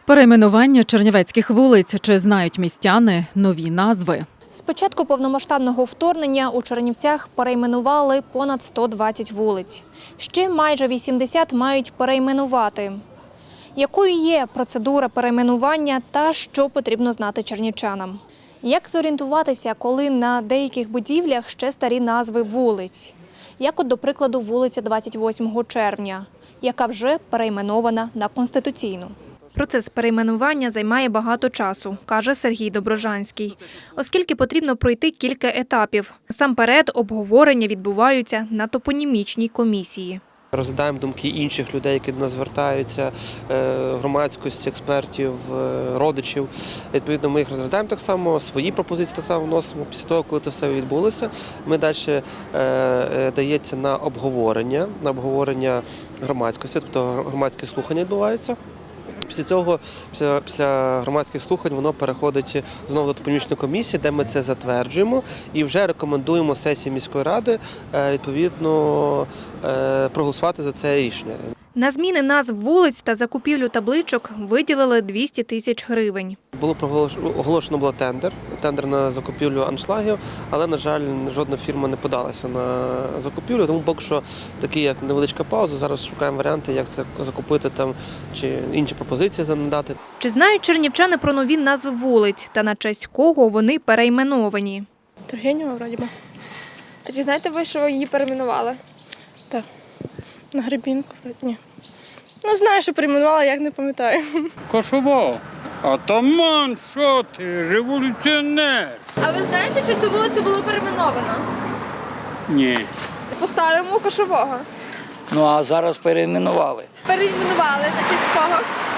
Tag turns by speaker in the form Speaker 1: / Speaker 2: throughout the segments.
Speaker 1: Перейменування чернівецьких вулиць. Чи знають містяни нові назви?
Speaker 2: З початку повномасштабного вторгнення у Чернівцях перейменували понад 120 вулиць. Ще майже 80 мають перейменувати. Якою є процедура перейменування та що потрібно знати чернівчанам? Як зорієнтуватися, коли на деяких будівлях ще старі назви вулиць? Як от, до прикладу, вулиця 28 червня, яка вже перейменована на Конституційну. Процес перейменування займає багато часу, каже Сергій Доброжанський, оскільки потрібно пройти кілька етапів. Насамперед, обговорення відбуваються на топонімічній комісії.
Speaker 3: Розглядаємо думки інших людей, які до нас звертаються, громадськості, експертів, родичів. Відповідно, ми їх розглядаємо так само, свої пропозиції так само вносимо. Після того, коли це все відбулося, ми далі дається на обговорення громадськості, тобто громадські слухання відбуваються. Після цього, після громадських слухань, воно переходить знову до топонімічної комісії, де ми це затверджуємо і вже рекомендуємо сесії міської ради, відповідно, проголосувати за це рішення.
Speaker 2: На зміни назв вулиць та закупівлю табличок виділили 200 тисяч гривень.
Speaker 3: Було оголошено тендер на закупівлю аншлагів, але, на жаль, жодна фірма не подалася на закупівлю, тому поки що такі, як невеличка пауза, зараз шукаємо варіанти, як це закупити там, чи інші пропозиції надати.
Speaker 2: Чи знають чернівчани про нові назви вулиць та на честь кого вони перейменовані?
Speaker 4: Тургенєва, вроді би.
Speaker 5: А чи знаєте ви, що її перейменували?
Speaker 4: Так. На Гребінку, вроді. Ні. Ну, знаю, що перейменувала, як не пам'ятаю.
Speaker 6: Кошово. Атаман, що ти, революціонер?
Speaker 5: А ви знаєте, що цю вулицю було перейменовано?
Speaker 6: Ні.
Speaker 5: По-старому Кошового.
Speaker 7: Ну, а зараз перейменували.
Speaker 5: Перейменували на честь кого?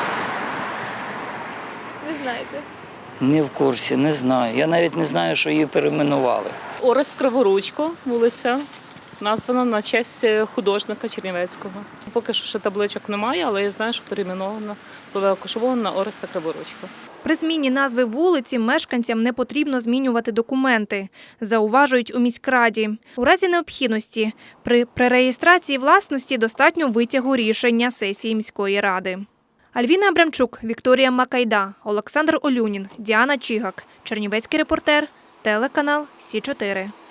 Speaker 5: Не знаєте.
Speaker 7: Не в курсі, не знаю. Я навіть не знаю, що її перейменували.
Speaker 8: Орест Криворучко, вулиця, названа на честь художника Чернівецького. Поки що ще табличок немає, але я знаю, що перейменована з Олега Кошового на Ореста Криворучко.
Speaker 2: При зміні назви вулиці мешканцям не потрібно змінювати документи, зауважують у міськраді. У разі необхідності при перереєстрації власності достатньо витягу рішення сесії міської ради. Альвіна Абрамчук, Вікторія Макайда, Олександр Олюнін, Діана Чігак. Чернівецький репортер, телеканал Сі 4.